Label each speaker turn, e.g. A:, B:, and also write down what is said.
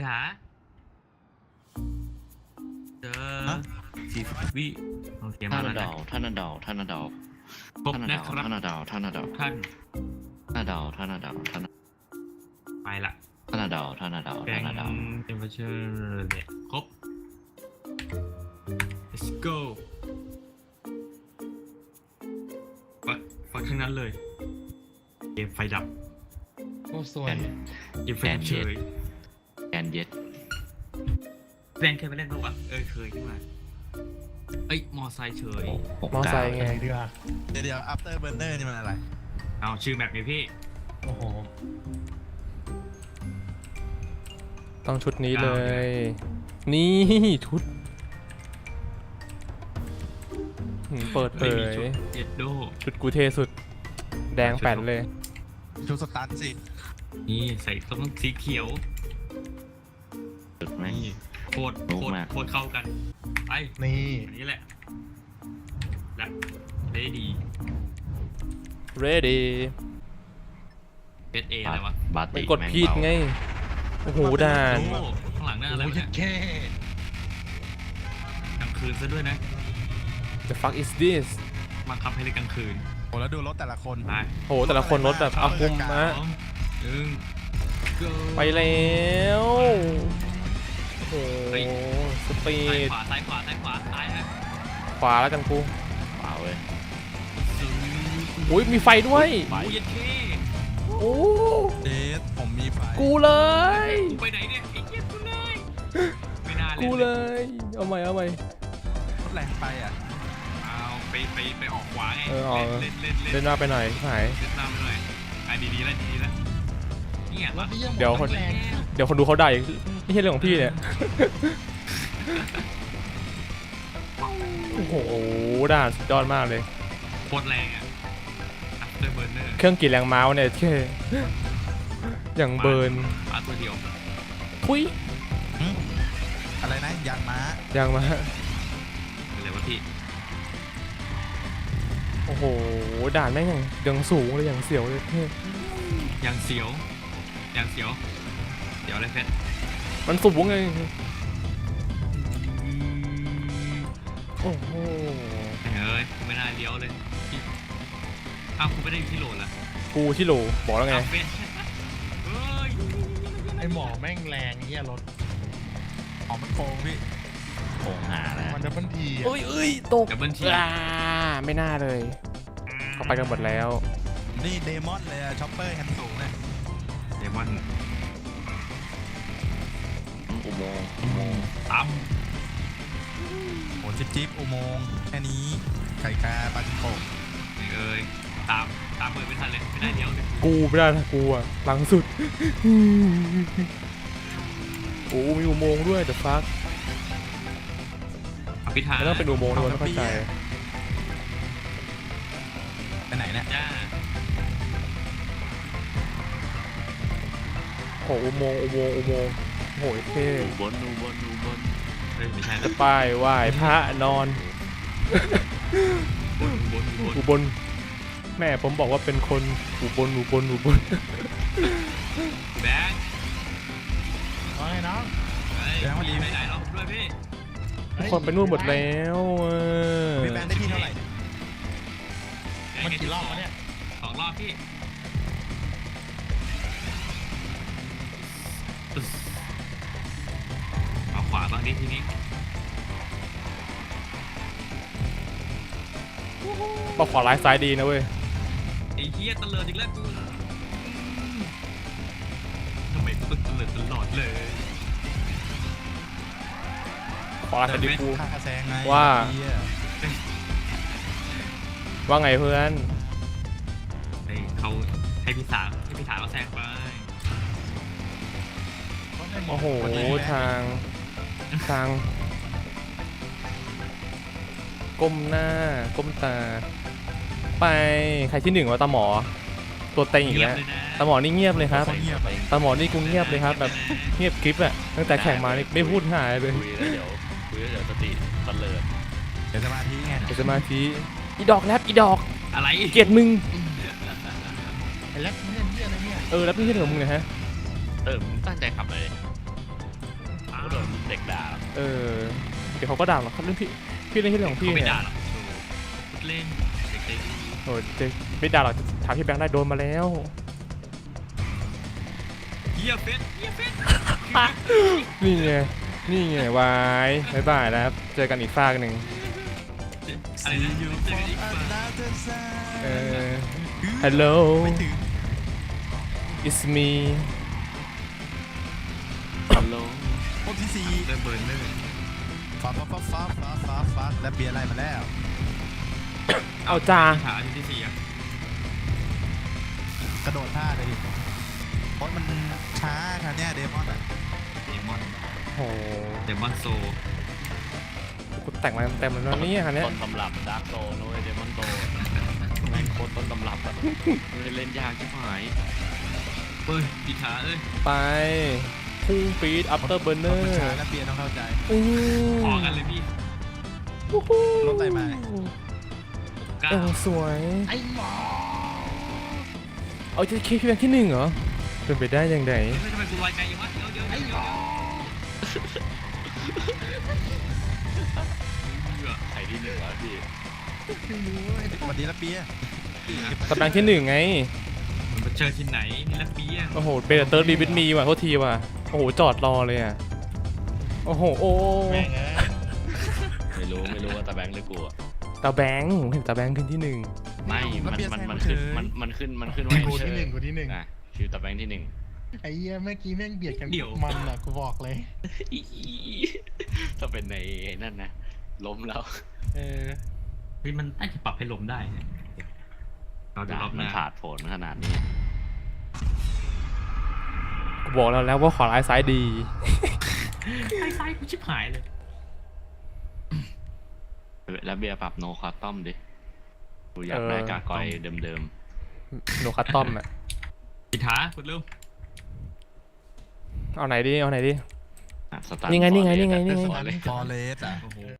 A: จ๋าเจอ
B: ฮะ
A: 40 วิโอเคมา
C: ท่าน
A: แล้ว
C: ดา
A: นะ
C: วท่านดาวท่านดาว
A: ครบนะครับ
C: ท่านดาวท่านดาว
A: ท่าน
C: ท่านดาวท่านดาวท่าน
A: ไปละ
C: ท่านดาวท่านดาว
A: แก
C: ท่าง นดาว
A: เทมเพอเชอร์เนี่ยครบ let's go ฟังทั้งนั้นเลยเกมไฟดับ
B: โอ้สวย
A: เกมไฟดับเฉย
C: แอนเย็ด
A: แบงเคยไปเล่นปะวะเคยขึ้นมาเอ้ยมอไซค์เฉย
D: มอไซค์ไง
B: ดีกว่า
E: เดี๋ยว after burner นี่มันอะไร
A: เอาชื่อแมปนี้พี่
B: โอ้โห
D: ต้องชุดนี้เลย นี่ชุดเปิดเผ
A: ไม่มี
D: ย
A: ชุดเอ็ดโด
D: ชุดกูเทสุด แดงแป่นเลย
E: ชุดสตันสิ
A: นี่ใส่ต้องสีเขียว
C: จุดแม่ง
A: นี่โคตร
C: รู้มาก
A: โคตรเข้ากันไป
B: นี่
A: อันนี้แหละและได้ดี
D: ready
A: เอสเออะไรวะ
C: บา
D: มัน
C: ติ
D: กดผิดไง โอ้โหด่าน
A: โอ้ข้างหลังนั่นอะไร
B: โอ้
A: วะ
B: ย
A: เนี่ย
B: แค่
A: กลางคืนซะด้วยนะ
D: the fuck is this
A: มาขับให้เลยกลางคืน
E: โอ้แล้วดูรถแต่ละคน
A: ไป
D: โหแต่ละคนรถแบบอาคุมมะ
A: สองหนึ่ง go
D: ไปแล้วโอ้โหสปี
A: ซ้าย
D: ด
A: ขวาซ้ายขวาซ้ายฮะ
D: ขวาแล้วกันกู
C: เปล่าเลย
D: อุ้ยมีไฟด้วย
A: โอ้ยเย็ดเค
D: โอ้
E: เจสผมมีไฟ
D: กูเลย
A: กูไปไหนเนี่ยไอ้เหี้ยกูเลยไม่น่าเลย
D: กูเลย เอาใหม่เอาใหม่
E: รถแรงไปอ่ะ
A: เอาไปออกขวาไง
D: เออออก
A: เล่น
D: เล่นหน้าไปหน่อยหาย
A: เล่นตามไปหน่อยอ่ะดีๆแล้วเนี่ย
B: รถที่ยัง
D: เดี๋ยวคน
B: แรง
D: เดี๋ยวคนดูเขาได้อีกไม่ใช่เรื่องของพี่เนี่ย โอ้โหด่านสุดยอดมากเลย
A: โคตรแรงอ่ะ after burner
D: เครื่องกี่แรงม้าเนี่ยแค่อย่างเบิร์น
A: มาตัวเดียว
D: ทุย
E: อะไรนะยางม้า
D: ยังมา
A: เป็นไรวะพี่
D: โอ้โหด่านแม่งอย่างสูงเลยอย่างเสียวเลยเท่
A: อย่างเสียวเดี๋ยวอะไรเพชร
D: มันสูงไงโอ้โห
A: เฮ้ยไม่น่าเลี้ยวเลยพี่อ้าวคุณไม่ได้อยู่ที่โหลดละ
D: กูที่โหลบอกแล้วไง
A: อ้าวเพชรเฮ้ย
B: ไอหมอแม่งแรงเฮียรถ
E: อ๋อมันโกงพี่
C: โป่งหาแล้ว
B: มันดับเบิลที
D: เอ้ยตก
A: ดับเบิลที
D: ไม่น่าเลยเขาไปกันหมดแล้ว
E: นี่เดมอนเลยอะช็อปเปอร์แฮนด์สูงเนี่ย
A: เดมอน
C: อุโมงค์
A: ตั้ม
E: โอ้จิ๊บอุโมงค์แค่นี้ไข่กาปลาจิงโป่ง
A: เอ้ยตามเปิดไม่ทันเลยไม่ได้เลี้ยวเลย
D: กูไม่ได้นะกูอะหลังสุด โอ้มีอุโมงค์ด้วย the fuck
A: อภิธา
D: ไม่ต้องเป็นอุโมงค์ด้วยไม่เข้าใจ
E: ไปไหนเนี่ย
A: จ้า
D: โอ้อุโมงค์โหเท่
C: อุบล
A: เฮ้ยไม่ใช่
D: จะ
A: นะ
D: ป้ายไหว้พระนอน
A: บน
D: อุบลแม่ผมบอกว่าเป็นคนอุบล
A: แบงค์
B: ว่าไงน้อง
A: เฮ้ยไปไหนเราด้วยพี่
D: ทุกคนไปนู่นหมดแล้วอ
E: พี่แบงค์ได้ที่เท่าไหร่
B: มันกี่รอบวะเนี่ย
A: 2 รอบพี่เอาขวาบ้างดิทีนี้
D: บอกขวาร้ายซ้ายดีนะเว้ย
A: ไอ้เหี้ยตะเลิดอีกแล้วกูทำไมกูต้องตะเลิดตลอดเลย
D: ขวาร้ายซ้ายดีกู
E: ค่าแซงไง
D: ว่า
E: เหี้ย
D: ว่าไงเพื่อน
A: ให้พี่สาวเขาแซงไป
D: โอ้โหทางก้มหน้าก้มตา ไปใครที่หนึ่งวะตาหมอ ตัวเต็งอีกแล้ว
A: เลยนะ
D: ตาหมอนี่เงียบเลยครับ
E: คนเงียบไป
D: ตาหมอนี่กูเงียบเลยครับแบบเงียบกริฟอะตั้งแต่แข่งมานี่ไม่พูดหายเลย
C: คุยแล้วเดี๋ยวสติบันเลิศ
E: เดี๋ยวสมาธิไง
D: เดี๋ยวสมาธิอีดอกแรปอีดอก
A: อะไร
D: เกลียดมึง
B: ไอแล็บเนี่ยเฮียอะไรเนี่ย
D: แล้วพี่เถอะมึงนะฮะ
C: มึงตั้งใจขับเลยเด็กด่า
D: เออเดี๋ยวเขาก็ด่าหรอกเขาเล่นพี่เล่นที่เรื่องของพี่
A: เขาไม่
D: เนี่ย
A: ด่าหรอกโชว์พูดเล่นเด็ก
D: โอ้เจ๊ไม่ด่าหรอกถามพี่แบงค์ได้โดนมาแล้ว
A: ๆเฮียเฟสเฮียเฟส
D: นี่ไงนี่ไงวายบายบายแล้วครับเจอกันอีกฟากหนึ่ง
A: อะไรนะเจอกันอีกฝั่ง
D: เออ hello
E: ไม่ถึง
D: it's me
C: ฮัลโหล
E: คนที่สี่
A: เริ่มเบิร์นเลย
E: ฟ้าและเบียร์ไล่มาแล้ว
D: เอาจ้า
A: หาอันที่สี่อ่ะ
E: กระโดดท่าเลยดิเพราะมันช้าค่ะเนี่ยเดมอนอ่ะ
A: เดมอน
D: โอ้โห
A: เดมอนโซ
D: กูแต่งมาเต็มเลยนะเนี่ยคันเนี้ย
C: ต้นตำรับดาร์กโซนุ้ยเดมอนโตแม่งโคตรต้นตำรับอะเล่นยากชิบหาย
A: เฮ้ยปีขาเอ้ย
D: ไปพุ่งปีด after
E: เพ
D: burner
E: ราะมันช้าและเบียร์ต้องเข้าใจ
D: อู้
A: ขอกันเลยพี่
E: รถไต่มา
A: ก้า
D: เอวสวย
B: ไอ้หมอ
D: เอาจะเคพี่แบงค์ที่หนึ่งเหรอเป็นไปได้ยังไง
A: เฮ้ยทำไมกูลอยไกลอย่างวะเดี๋ยวเดี๋ยว
C: ใครที่หนึ่งวะพี่
E: สวัสดีและเบียร์
D: ตำแหน่งที่หนึ่งไง
A: มันไปเจอที่ไหนนี่ละปีอ่ะ
D: โอ้โหเบลเตอร์บีบิทมีว่ะโทษทีว่ะโอ้โหจอดรอเลยอ่ะโอ้โหโอ้
B: แม่งเอ้ย
C: ไม่รู้ว่าตาแบงค์หรือกูอะ
D: ตาแบงค์ผมเห็นตาแบงค์ขึ้นที่หนึ่ง
C: ไม่มันขึ้นว่า
B: กูที่หนึ่งกูที่หนึ่ง
C: อ่ะชื่อตาแบงค์ที่หนึ่ง
B: ไอ้เหี้ยเมื่อกี้แม่งเบียดกันมันอ่ะกูบอกเลย
C: ถ้าเป็นในนั่นนะล้มแล้ว
B: เออ
A: เฮ้ยมันน่าจะปรับให้ลมได้เนี่ยเราดูรอบห
C: มัน
A: น้า
C: ขาดผลขนาดนี้
D: กูบอกแล้วว่าขวาร้ายซ้ายดี
A: ซ้ายกูชิบหายเลย
C: แล้วเบียร์ปรับโนคอตตอมดิกูอยากได้กากอยเดิม
D: โนคัตตอมอ่ะ
A: ปีขากดเร็ว
D: เอาไหนดีเอาไหนดี
C: ๆอ่ะสตาร์ท
D: นี่ไง
C: ฟอร์เรส
D: นี่ไง
C: อะ
D: นี่ไง
C: ฟอร์เรส
E: ฟอร์เรสอ่ะ
A: โอ้โห